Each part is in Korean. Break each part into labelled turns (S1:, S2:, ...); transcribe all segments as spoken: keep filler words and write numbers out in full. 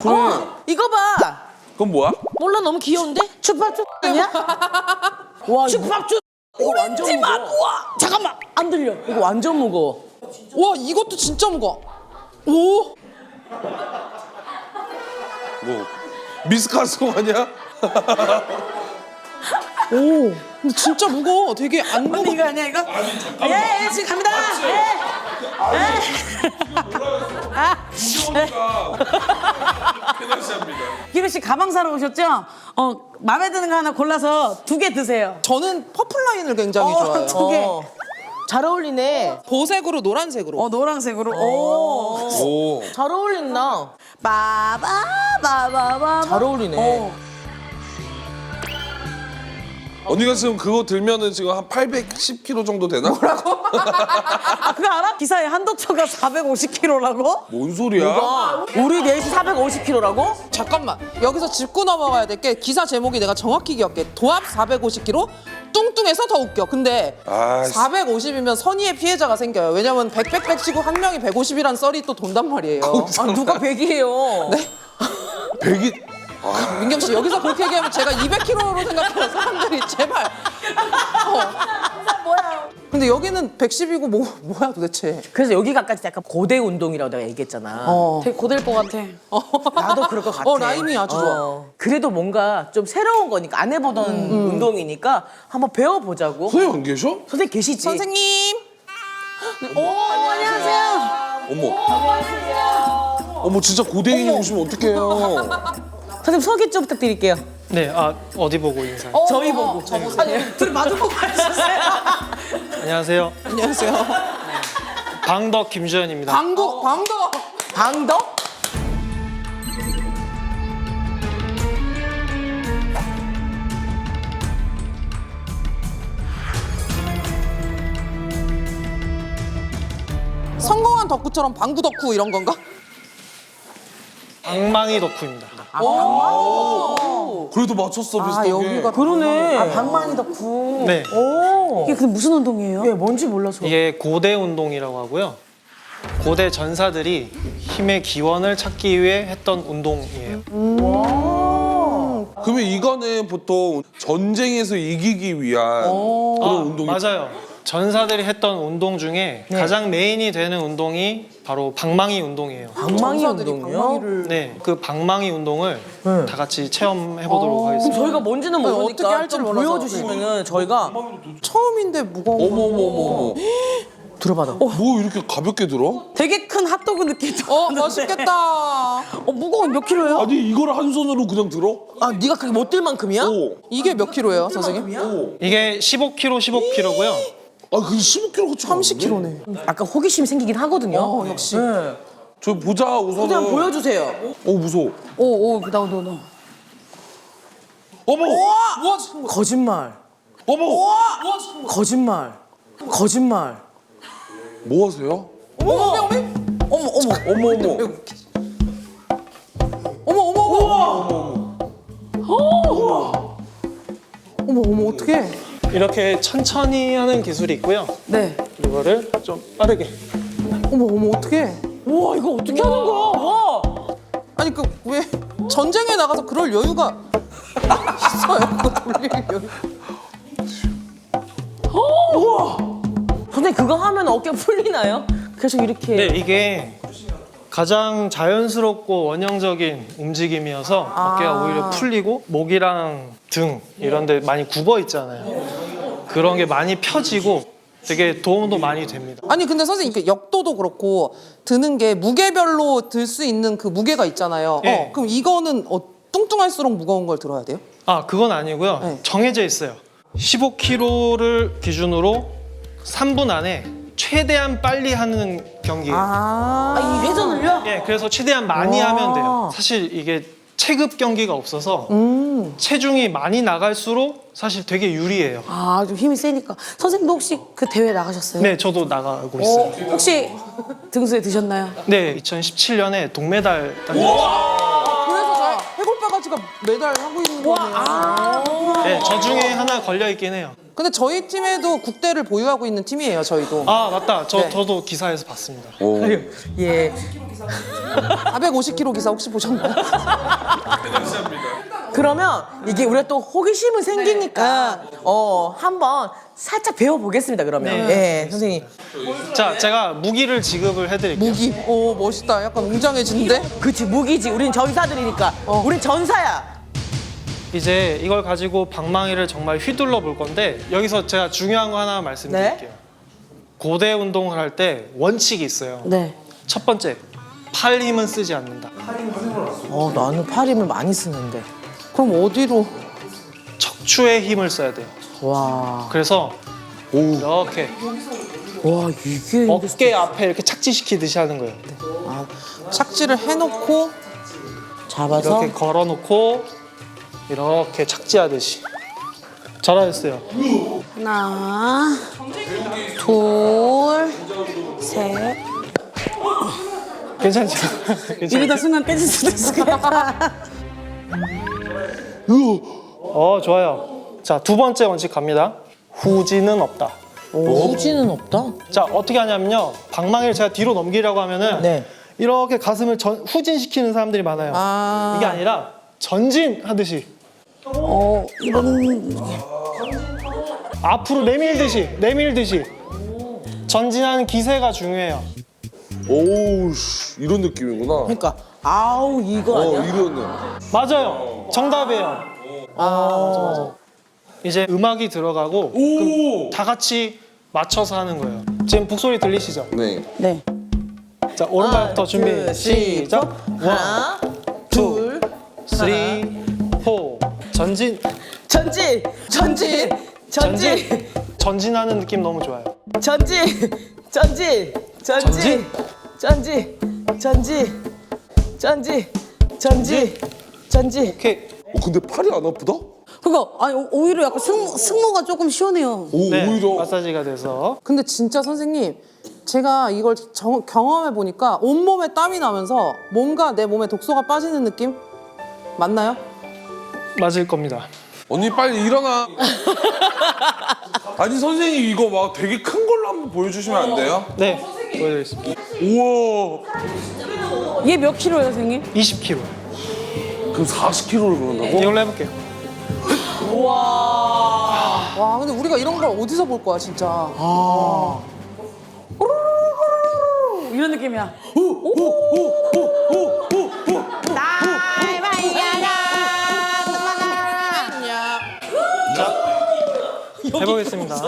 S1: 그래.
S2: 어, 이거 봐.
S1: 그건 뭐야?
S2: 몰라, 너무 귀여운데? 춥밥쭈 아니야? 와, 춥밥쭈. 이거 완전 무거워. 우와, 잠깐만, 안 들려. 이거 완전 무거워.
S3: 와, 이것도 진짜 무거워. 오!
S1: 뭐 미스카소 아니야?
S3: 오, 근데 진짜 무거워. 되게 안 무거워.
S2: 이거 아니야, 이거? 예, 예, 지금 갑니다. 예. 기루 씨 가방 사러 오셨죠? 어, 마음에 드는 거 하나 골라서 두 개 드세요.
S3: 저는 퍼플 라인을 굉장히 좋아해요.
S2: 두 개. 잘 어울리네.
S3: 보색으로 노란색으로.
S2: 어, 노란색으로. 오.
S1: 오.
S2: 잘 어울린다. 빠바 빠바바. 잘 어울리네. 어.
S1: 언니가 지금 그거 들면은 지금 한 팔백십 킬로그램 정도 되나?
S2: 아, 그거 알아? 기사에 한도초가 사백오십 킬로그램라고?
S1: 뭔 소리야?
S2: 우리 넷이 사백오십 킬로그램라고?
S3: 잠깐만. 여기서 짚고 넘어가야 될 게 기사 제목이 내가 정확히 기억해. 도합 사백오십 킬로그램, 뚱뚱해서 더 웃겨. 근데
S1: 아이씨.
S3: 사백오십이면 선의의 피해자가 생겨요. 왜냐면 백, 백, 백 치고 한 명이 백오십이란 썰이 또 돈단 말이에요.
S2: 아, 누가 백이에요?
S3: 네?
S1: 백이
S3: 민경 씨, 여기서 그렇게 얘기하면 제가 이백 킬로그램로 생각해요. 사람들이 제발. 어.
S2: 뭐야?
S3: 근데 여기는 백십이고 뭐, 뭐야 도대체.
S2: 그래서 여기가까지 약간 고대 운동이라고 내가 얘기했잖아.
S3: 어.
S2: 되게 고대일 것 같아. 나도 그럴 것 같아.
S3: 어, 라임이 아주 좋아.
S2: 어. 그래도 뭔가 좀 새로운 거니까 안 해보던 운동이니까 한번 배워보자고.
S1: 선생님 안 계셔?
S2: 선생님 계시지?
S3: 선생님.
S2: 오, 안녕하세요.
S1: 어머. 어머 진짜 고대인이 오시면 어떡해요?
S2: 선생님 소개 좀 부탁드릴게요.
S4: 네, 아 어디 보고 인사?
S3: 어,
S2: 저희
S3: 어,
S2: 보고.
S3: 저 보세요. 아니, 둘이 마주보고 하셨어요.
S4: 안녕하세요.
S3: 안녕하세요.
S4: 방덕 김주현입니다.
S3: 방도, 방도.
S2: 방덕?
S3: 성공한 덕후처럼 방구 덕후 이런 건가?
S4: 방망이 덕후입니다.
S1: 그래도 맞췄어 비슷하게.
S3: 아, 여기가
S2: 그러네. 아, 방망이 덕후.
S4: 네,
S2: 오. 이게 근데 무슨 운동이에요? 예, 뭔지 몰라서.
S4: 이게 고대 운동이라고 하고요. 고대 전사들이 힘의 기원을 찾기 위해 했던 운동이에요.
S1: 그러면 이거는 보통 전쟁에서 이기기 위한 그런
S4: 아,
S1: 운동이
S4: 맞아요. 전사들이 했던 운동 중에 가장 메인이 되는 운동이 바로 방망이 운동이에요.
S2: 방망이
S3: 전사들이
S2: 운동이요?
S3: 방망이를.
S4: 네, 그 방망이 운동을
S2: 네.
S4: 다 같이 체험해 보도록
S2: 그럼
S4: 하겠습니다.
S2: 저희가 뭔지는
S3: 네,
S2: 모르니까
S3: 어떻게 할지를
S2: 좀
S3: 몰라서.
S2: 보여주시면은 저희가
S3: 처음인데 무거운 거.
S1: 어머 어머 어머 어머.
S2: 들어봐라.
S1: 뭐 이렇게 가볍게 들어?
S2: 되게 큰 핫도그 느낌도.
S3: 어,
S2: 나는데.
S3: 멋있겠다.
S2: 어, 무거운 몇 킬로예요?
S1: 아니 이걸 한 손으로 그냥 들어?
S2: 아, 네가 그게 못 들 만큼이야?
S1: 오.
S3: 이게 몇 킬로예요, 선생님?
S1: 오.
S4: 이게 십오 킬로그램, 십오 킬로그램고요.
S1: 아 그게 십오 킬로그램
S3: 삼십 킬로네.
S2: 약간 호기심이 생기긴 하거든요.
S3: 어, 역시.
S2: 네.
S1: 저 보자 우선은.
S2: 그냥 보여주세요.
S1: 어 무서워.
S2: 오, 오, 나, 나, 나.
S1: 어머.
S3: 우와,
S2: 거짓말.
S1: 어머.
S2: 거짓말. 거짓말.
S1: 뭐 하세요?
S3: 어머, 어머, 어머. 어머, 어머.
S1: 어머 어머.
S3: 어머, 어머, 어머. 어머, 어머, 어떡해.
S4: 이렇게 천천히 하는 기술이 있고요.
S2: 네.
S4: 이거를 좀 빠르게.
S3: 어머, 어머, 어떡해.
S2: 와, 이거 어떻게 하는 거야? 와.
S3: 아니, 그, 왜 전쟁에 나가서 그럴 여유가 있어요? 그거 돌릴 여유.
S2: 선생님, 그거 하면 어깨 풀리나요? 계속 이렇게.
S4: 네, 이게 가장 자연스럽고 원형적인 움직임이어서 어깨가 오히려 풀리고 목이랑 등 이런 데 많이 굽어 있잖아요. 그런 게 많이 펴지고 되게 도움도 많이 됩니다.
S3: 아니, 근데 선생님, 그 역도도 그렇고 드는 게 무게별로 들 수 있는 그 무게가 있잖아요.
S4: 예.
S3: 어, 그럼 이거는 어, 뚱뚱할수록 무거운 걸 들어야 돼요?
S4: 아, 그건 아니고요.
S3: 네.
S4: 정해져 있어요. 십오 킬로그램를 기준으로 삼 분 안에 최대한 빨리 하는 경기예요.
S3: 아,
S2: 아, 이 회전을요?
S4: 예, 그래서 최대한 많이
S3: 와.
S4: 하면 돼요. 사실 이게 체급 경기가 없어서
S3: 음.
S4: 체중이 많이 나갈수록 사실 되게 유리해요.
S2: 아, 좀 힘이 세니까. 선생님도 혹시 그 대회 나가셨어요?
S4: 네, 저도 나가고 있어요.
S2: 어, 혹시 등수에 드셨나요?
S4: 네, 이천십칠 년에 동메달 땄어요.
S3: 그래서 저 해골 바가지가 매달 하고 있는 거네요.
S4: 네, 저 중에 하나 걸려 있긴 해요.
S3: 근데 저희 팀에도 국대를 보유하고 있는 팀이에요. 저희도.
S4: 아 맞다. 저
S3: 네.
S4: 저도 기사에서 봤습니다.
S1: 오.
S2: 예.
S3: 사백오십 킬로그램 기사 혹시 보셨나요?
S2: 그러면 이게 우리가 또 호기심은 생기니까 어 한번 살짝 배워보겠습니다. 그러면 예 선생님
S4: 자, 제가 무기를 지급을 해드릴게요.
S3: 무기. 오 멋있다. 약간 웅장해진데?
S2: 그치 무기지. 우린 전사들이니까. 우린 전사야.
S4: 이제 이걸 가지고 방망이를 정말 휘둘러 볼 건데 여기서 제가 중요한 거 하나 말씀드릴게요. 고대 운동을 할 때 원칙이 있어요.
S2: 네.
S4: 첫 번째, 팔 힘은 쓰지 않는다.
S2: 어 나는 팔 힘을 많이 쓰는데.
S3: 그럼 어디로?
S4: 척추의 힘을 써야 돼요.
S2: 와.
S4: 그래서 이렇게
S2: 와 이게
S4: 어깨 앞에 이렇게 착지시키듯이 하는 거예요.
S3: 아, 착지를 해놓고
S2: 잡아서
S4: 이렇게 걸어놓고 이렇게 착지하듯이. 잘하셨어요.
S2: 하나, 둘, 셋.
S4: 괜찮죠? 괜찮죠?
S2: 이러다 순간 깨질 수도 있을 것 같아.
S4: 어, 좋아요. 자, 두 번째 원칙 갑니다. 후지는 없다.
S2: 후지는 없다.
S4: 자, 어떻게 하냐면요. 방망이를 제가 뒤로 넘기려고 하면은
S2: 네.
S4: 이렇게 가슴을 전, 후진시키는 사람들이 많아요.
S3: 아.
S4: 이게 아니라 전진하듯이
S2: 어 이런
S4: 앞으로 내밀듯이 내밀듯이 전진하는 기세가 중요해요.
S1: 오우 씨, 이런 느낌이구나.
S2: 그러니까 아우 이거
S1: 어
S2: 아니야?
S1: 이러네.
S4: 맞아요. 정답이에요.
S2: 아
S4: 이제 음악이 들어가고 그럼 다 같이 맞춰서 하는 거예요. 지금 북소리 들리시죠?
S1: 네.
S2: 네.
S4: 자, 오른발부터 준비
S2: 둘,
S4: 시작.
S2: 하나, 둘,
S4: 쓰리, 포. 전진,
S2: 전진, 전진, 전진,
S4: 전진하는 느낌 너무 좋아요.
S2: 전진, 전진, 전진, 전진, 전진, 전진, 전진, 전진.
S4: 오케이.
S1: 어, 근데 팔이 안 아프다?
S5: 그거 아니 오- 오히려 약간 승, 승모가 조금 시원해요.
S1: 오
S4: 네,
S1: 오히려.
S4: 마사지가 돼서.
S3: 근데 진짜 선생님 제가 이걸 정- 경험해 보니까 온몸에 땀이 나면서 뭔가 내 몸에 독소가 빠지는 느낌? 맞나요?
S4: 맞을 겁니다.
S1: 언니 빨리 일어나. 아니 선생님 이거 막 되게 큰 걸로 한번 보여주시면 안 돼요?
S4: 네, 보여드리겠습니다.
S1: 우와.
S5: 얘 몇 킬로예요, 선생님?
S4: 이십 킬로그램.
S1: 그럼 사십 킬로를 그런다고?
S4: 이걸로 해볼게요.
S3: 와 근데 우리가 이런 걸 어디서 볼 거야 진짜.
S5: 이런 느낌이야.
S4: 해보겠습니다.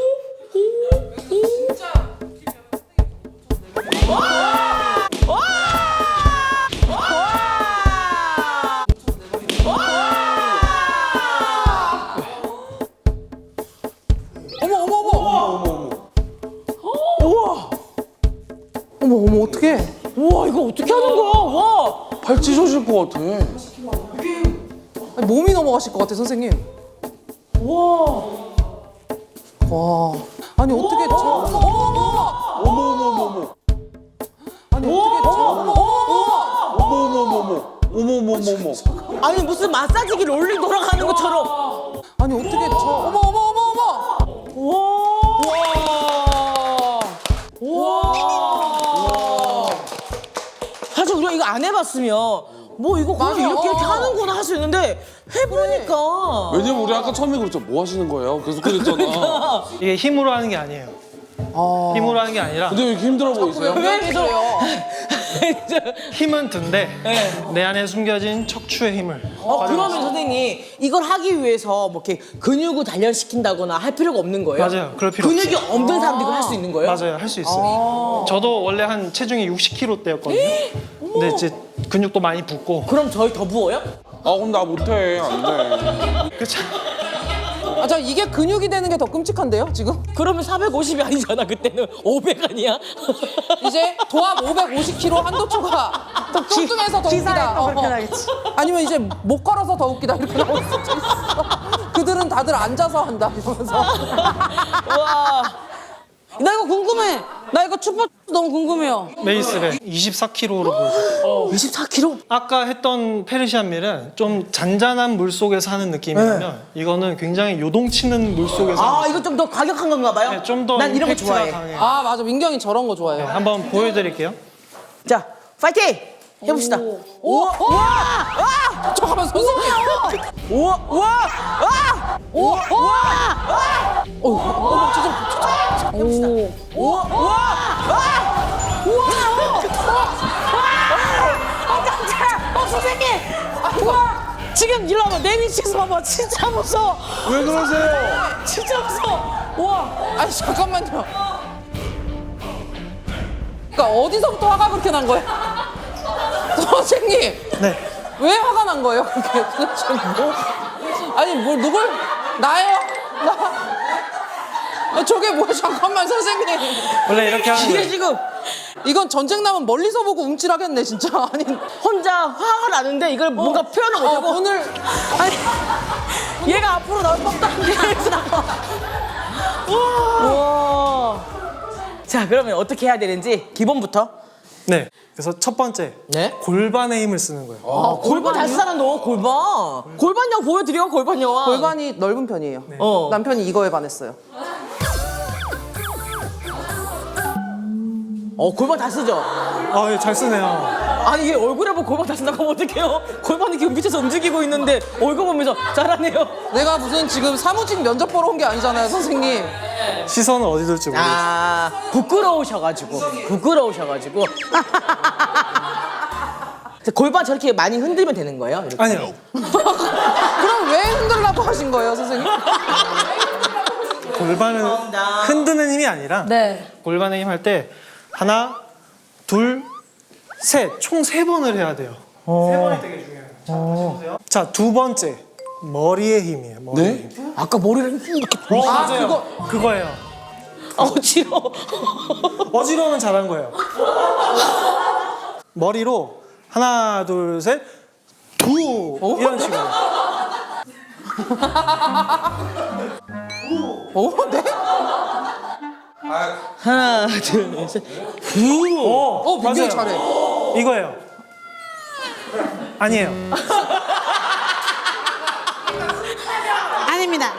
S3: 어머 어머 어머. 우와. 어머 어머 어떡해.
S2: 우와 이거 어떻게 하는 거야? 와.
S1: 팔 찢어질 것 같아.
S3: 아니, 몸이 넘어가실 것 같아 선생님.
S2: 와.
S3: 와. 아니 어떻게 저. 어머 어머.
S1: 어머 어머 어머 어머.
S3: 아니 어떻게 저. 어머 어머 어머.
S1: 어머 어머 어머 어머. 어머 어머 어머 어머.
S2: 아니 무슨 마사지기 롤리 돌아가는 것처럼.
S3: 아니 어떻게 저. 어머 어머 어머 어머.
S2: 와. 와. 사실 우리가 이거 안 해봤으면 뭐 이거 그냥
S3: 맞아.
S2: 이렇게 이렇게 하는구나 할 수 있는데 해보니까.
S1: 왜냐면 우리 아까 처음에 그랬죠. 뭐 하시는 거예요? 계속 그랬잖아.
S4: 이게 힘으로 하는 게 아니에요. 힘으로 하는 게 아니라
S1: 근데 왜 이렇게 힘들어 보이세요?
S3: 왜 그래요?
S4: 힘은 든데 내 안에 숨겨진 척추의 힘을.
S2: 어 그러면 선생님 이걸 하기 위해서 뭐 이렇게 근육을 단련시킨다거나 할 필요가 없는 거예요?
S4: 맞아요. 그럴 필요
S2: 근육이 없는 사람도 이걸 할 수 있는 거예요?
S4: 맞아요, 할 수 있어요. 저도 원래 한 체중이 육십 킬로그램대였거든요. 근데 이제 근육도 많이 붙고.
S2: 그럼 저희 더 부어요?
S1: 아 그럼 나 못해. 안 돼.
S4: 그쵸?
S3: 아, 저 이게 근육이 되는 게 더 끔찍한데요 지금?
S2: 그러면 사백오십이 아니잖아 그때는 오백 아니야?
S3: 이제 도합 오백오십 킬로그램 한도초가 뚱뚱해서 더 웃기다.
S5: 또 그렇게
S3: 어.
S5: 나겠지.
S3: 아니면 이제 못 걸어서 더 웃기다 이렇게 나올 수도 있어. 그들은 다들 앉아서 한다 이러면서.
S2: 와.
S5: 나 이거 궁금해.
S2: 나 이거 춥밥 너무 궁금해요.
S4: 베이스를 이십사 킬로그램으로 보여요.
S2: 이십사 킬로그램.
S4: 아까 했던 페르시안 밀은 좀 잔잔한 물 속에서 하는 느낌이라면 이거는 굉장히 요동치는 물 속에서
S2: 아
S4: 하는
S2: 이거 좀 더 과격한 건가 봐요?
S4: 네, 좀 더
S2: 난 이런 거
S4: 임팩트가
S2: 좋아해.
S4: 강해요.
S3: 아 맞아 민경이 저런 거 좋아해요.
S4: 네, 한번 보여드릴게요.
S2: 자 파이팅 해봅시다. 우와 우와 아
S3: 잠깐만 선생님.
S2: 우와 우와 아 우와 우와 아 어, 진짜 해봅시다. 우와 우와 아 우와 아 깜짝이야. 어 선생님 우와 지금 일로 와봐 내 위치에서 봐봐 진짜 무서워.
S1: 왜 그러세요?
S2: 진짜 무서워. 우와
S3: 아니 잠깐만요. 그러니까 어디서부터 화가 그렇게 난 거예요? 선생님
S4: 네.
S3: 왜 화가 난 거예요? 그게 도대체 뭐? 아니 뭘 누굴 나요? 나 아, 저게 뭐야? 잠깐만 선생님.
S4: 원래 이렇게 하는
S2: 이게
S4: 거예요.
S2: 지금
S3: 이건 전쟁 나면 멀리서 보고 움찔하겠네 진짜. 아니
S2: 혼자 화가 나는데 이걸 뭔가 표현을
S3: 어,
S2: 못하고
S3: 오늘
S2: 아니 얘가 앞으로 나올 법도 한데 여기서 나와. 우와. 자 그러면 어떻게 해야 되는지 기본부터.
S4: 네. 그래서 첫 번째
S2: 네?
S4: 골반의 힘을 쓰는 거예요.
S2: 아, 골반 잘 쓰잖아 너 골반. 골반형 보여드려 골반형.
S3: 골반이 넓은 편이에요.
S2: 어.
S3: 남편이 이거에 반했어요.
S2: 어 골반 다 쓰죠.
S4: 아, 예, 잘 쓰네요.
S2: 아니 이게 얼굴에 보고 골반 다 쓴다고 하면 어떡해요? 골반이 지금 밑에서 움직이고 있는데 얼굴 보면서 잘하네요.
S3: 내가 무슨 지금 사무직 면접 보러 온 게 아니잖아요 선생님.
S4: 시선은 어디 둘지 모르겠어요.
S2: 아 부끄러우셔가지고 부끄러우셔가지고 골반 저렇게 많이 흔들면 되는 거예요? 이렇게?
S4: 아니요.
S3: 그럼 왜 흔들라고 하신 거예요 선생님?
S4: 골반은 흔드는 힘이 아니라
S2: 네.
S4: 골반의 힘 할 때 하나, 둘, 셋, 총 세 번을 해야 돼요. 세 번이 되게 중요해요. 자, 다시 보세요. 자, 두 번째 머리의 힘이에요. 머리의
S1: 네?
S4: 힘.
S2: 아까 머리를 이렇게
S4: 어,
S3: 아,
S4: 맞아요.
S3: 그거-
S4: 그거예요.
S2: 아 어지러워.
S4: 어지러우면 잘한 거예요. 머리로 하나, 둘, 셋, 두 이런 식으로.
S3: 어? 네?
S2: 하나 둘 셋.
S4: 오,
S3: 어 민경이
S4: 맞아요.
S3: 잘해.
S4: 이거예요. 아니에요.
S2: 아닙니다.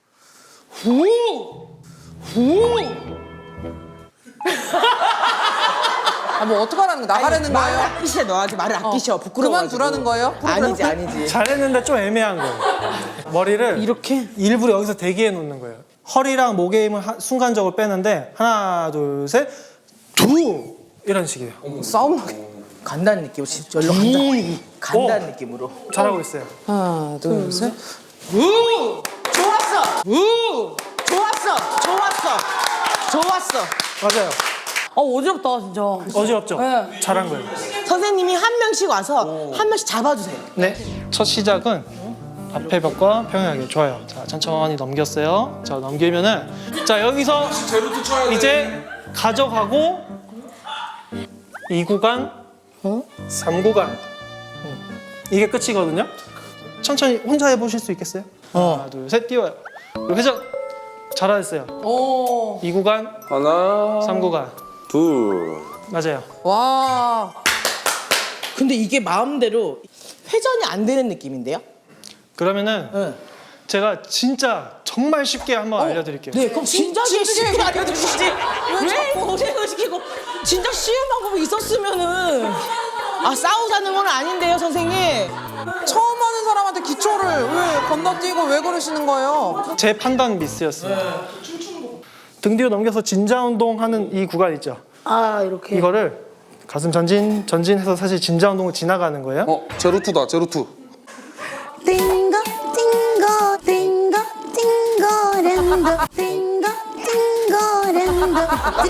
S3: 아 뭐 어떡하라는 거 나가라는
S2: 말을
S3: 거예요?
S2: 아끼셔 너한테 말을 아끼셔 부끄러워.
S3: 그만두라는 거예요?
S2: 아니지 아니지.
S4: 잘했는데 좀 애매한 거예요. 머리를
S2: 이렇게?
S4: 일부러 여기서 대기해 놓는 거예요. 허리랑 목의 힘을 하- 순간적으로 빼는데 하나, 둘, 셋, 두 이런 식이에요.
S3: 싸움 나게.
S2: 간다는 느낌으로 진짜 열로 간다. 간다는 느낌으로.
S4: 잘하고 있어요.
S3: 하나 둘 셋.
S2: 우! 좋았어. 우! 좋았어. 좋았어. 좋았어.
S4: 맞아요.
S2: 어 어지럽다 진짜.
S4: 어지럽죠?
S2: 네.
S4: 잘한 거예요.
S2: 선생님이 한 명씩 와서 한 명씩 잡아주세요.
S4: 네. 첫 시작은 앞에 벽과 평행하게. 좋아요. 자, 천천히 넘겼어요. 자, 넘기면은 자, 여기서
S1: 제로투 쳐야 돼.
S4: 이제 가져가고 이 구간, 삼 구간. 이게 끝이거든요. 천천히 혼자 해보실 수 있겠어요? 하나, 둘, 셋, 띄워요. 그리고 회전. 잘하셨어요.
S3: 오.
S4: 이 구간,
S1: 하나,
S4: 삼 구간.
S1: 둘.
S4: 맞아요.
S3: 와.
S2: 근데 이게 마음대로 회전이 안 되는 느낌인데요?
S4: 그러면은
S2: 네.
S4: 제가 진짜 정말 쉽게 한번 알려드릴게요.
S2: 네, 그럼 진작에
S3: 진작에
S2: 쉽게 알려주시지. 왜
S3: 자꾸-
S2: 고생을 시키고 진짜 쉬운 방법이 있었으면은 아 싸우자는 건 아닌데요, 선생님.
S3: 처음 하는 사람한테 기초를 왜 건너뛰고 왜 그러시는 거예요?
S4: 제 판단 미스였습니다. 등 뒤로 넘겨서 진자 운동하는 이 구간 있죠.
S2: 아 이렇게.
S4: 이거를 가슴 전진 전진해서 사실 진자 운동을 지나가는 거예요.
S1: 어, 제로투다, 제로투.
S5: 띵거 띵거 띵거 띵거랜드 띵거 띵거랜드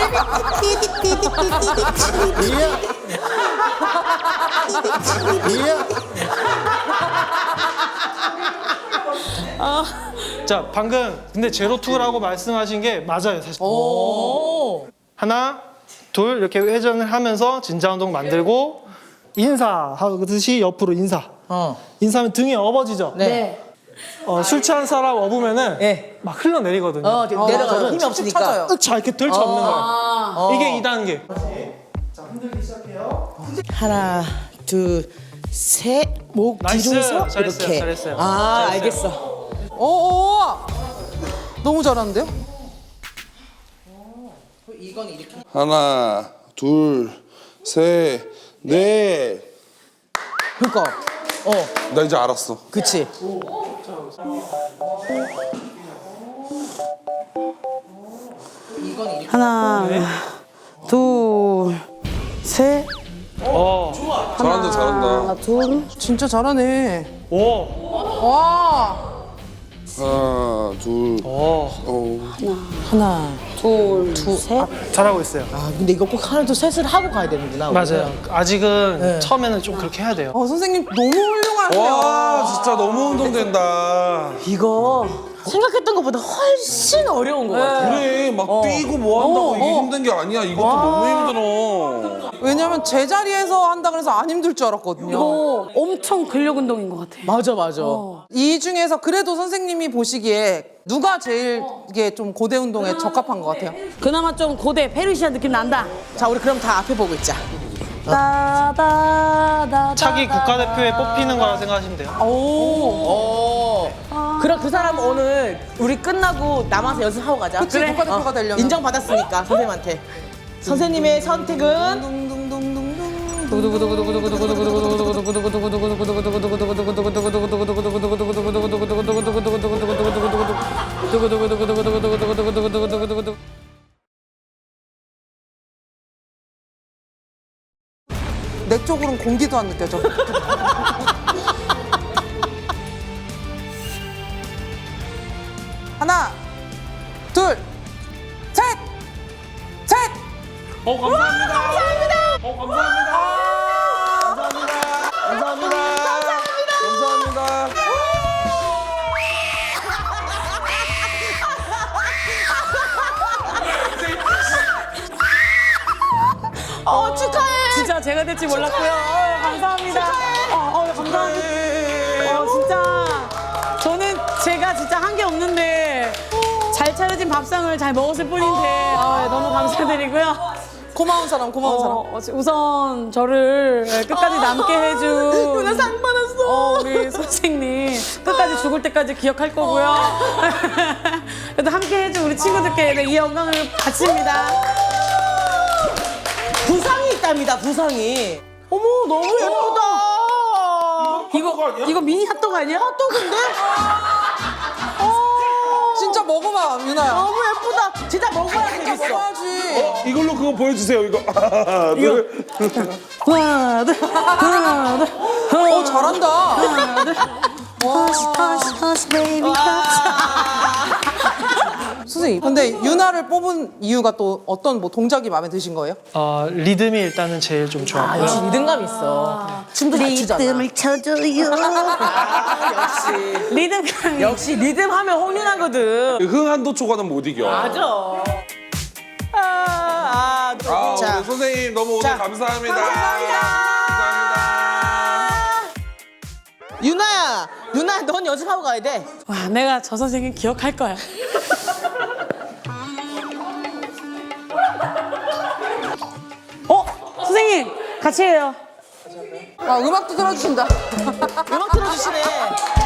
S4: 자, 방금 근데 제로투라고 말씀하신 게 맞아요, 사실.
S2: 오.
S4: 하나, 둘 이렇게 회전을 하면서 진자 운동 만들고 인사하듯이 옆으로 인사.
S2: 어.
S4: 인사하면 등이 업어지죠.
S2: 네.
S4: 어, 술 취한 사람 업으면은
S2: 네.
S4: 막 흘러내리거든요.
S2: 어, 내려가서
S3: 맞아요.
S2: 힘이
S3: 쭉
S2: 없으니까.
S3: 쳐져요.
S4: 자 이렇게 들쳐 없는 거예요.
S2: 어.
S4: 이게 이 단계.
S2: 하나, 둘, 셋. 목
S4: 나이스.
S2: 뒤로서
S4: 잘했어요,
S2: 이렇게.
S4: 잘했어요.
S2: 아,
S4: 잘했어요.
S2: 알겠어.
S3: 오, 너무 잘하는데요?
S1: 하나, 둘, 셋, 넷.
S2: 그니까. 어,
S1: 나 이제 알았어.
S2: 그치. 하나, 둘, 셋.
S4: 어.
S1: 잘한다, 잘한다.
S2: 하나, 둘.
S3: 진짜 잘하네.
S4: 오.
S3: 와,
S1: 하나, 둘,
S4: 오.
S1: 어.
S2: 하나, 둘, 둘, 셋.
S4: 잘하고 있어요.
S2: 아, 근데 이거 꼭 하나, 둘, 셋을 하고 가야 되는구나.
S4: 맞아요. 아직은
S2: 네.
S4: 처음에는 좀 그렇게 해야 돼요.
S3: 어, 선생님 너무 훌륭하세요.
S1: 와, 진짜 너무 운동된다.
S2: 이거 생각했던 것보다 훨씬 어려운 것 같아.
S1: 그래, 막 뛰고 뭐 한다고
S2: 어,
S1: 이게
S2: 어.
S1: 힘든 게 아니야. 이것도 너무 힘들어.
S3: 왜냐면 제자리에서 한다 그래서 안 힘들 줄 알았거든요.
S5: 이거 엄청 근력 운동인 것 같아.
S2: 맞아, 맞아.
S3: 이 중에서 그래도 선생님이 보시기에 누가 제일 이게 좀 고대 운동에 적합한 것 같아요?
S5: 그나마 좀 고대 페르시아 느낌 난다.
S2: 자, 우리 그럼 다 앞에 보고 있자.
S5: 따다다다.
S4: 차기 국가대표에 뽑히는 거라 생각하시면 돼요.
S2: 오. 그럼 그 사람 오늘 우리 끝나고 남아서 연습하고 가자.
S3: 그치, 국가대표가 되려면.
S2: 인정받았으니까 선생님한테. 선생님의 선택은
S3: 내 쪽으로는 공기도 안 느껴져. 하나, 둘, 셋, 셋.
S1: 어, 감사합니다. 감사합니다. 어, 감사합니다. 감사합니다. 감사합니다. 감사합니다.
S2: 어 축하해.
S5: 진짜 제가 될지 몰랐고요. 어, 감사합니다. 어, 어, 감사합니다. 어, 진짜 저는 제가 진짜 한 게 없는데 잘 차려진 밥상을 잘 먹었을 뿐인데 어, 너무 감사드리고요.
S3: 고마운 사람, 고마운 사람.
S5: 어, 우선 저를 끝까지 남게 해준
S2: 누나 상 받았어.
S5: 어, 우리 선생님 끝까지 죽을 때까지 기억할 거고요. 그래도 함께 해준 우리 친구들께 이 영광을 바칩니다.
S2: 부상이 있답니다. 부상이. 어머 너무 예쁘다.
S5: 이거 이거 미니 핫도그 아니야?
S2: 핫도그인데?
S3: 진짜 먹어봐, 유나야.
S2: 너무 예쁘다. 진짜 먹어야 되겠어.
S3: 먹어야지.
S1: 이걸로 그거 보여주세요. 이거. 하나, 둘.
S5: 하나, 둘, 하나, 둘.
S3: 어, 잘한다. 선생님, 근데 유나를 뽑은 이유가 또 어떤 뭐 동작이 마음에 드신 거예요?
S4: 어, 리듬이 일단은 제일 좀 좋았고요.
S2: 역시 리듬감 있어. 춤도 잘 추잖아.
S5: 리듬을 쳐줘요.
S2: 역시.
S5: 리듬감이.
S2: 역시 리듬 하면 홍윤아거든.
S1: 흥한도 초과는 못 이겨.
S2: 맞아. 아, 아,
S1: 아,
S2: 자.
S1: 오늘 선생님 너무 오늘
S2: 자.
S1: 감사합니다.
S2: 감사합니다.
S1: 감사합니다.
S2: 유나야, 유나 넌 연습하고 가야 돼.
S5: 와, 내가 저 선생님 기억할 거야. 어? 선생님, 같이 해요.
S3: 아, 음악도 들어주신다.
S2: 음악 틀어주시네.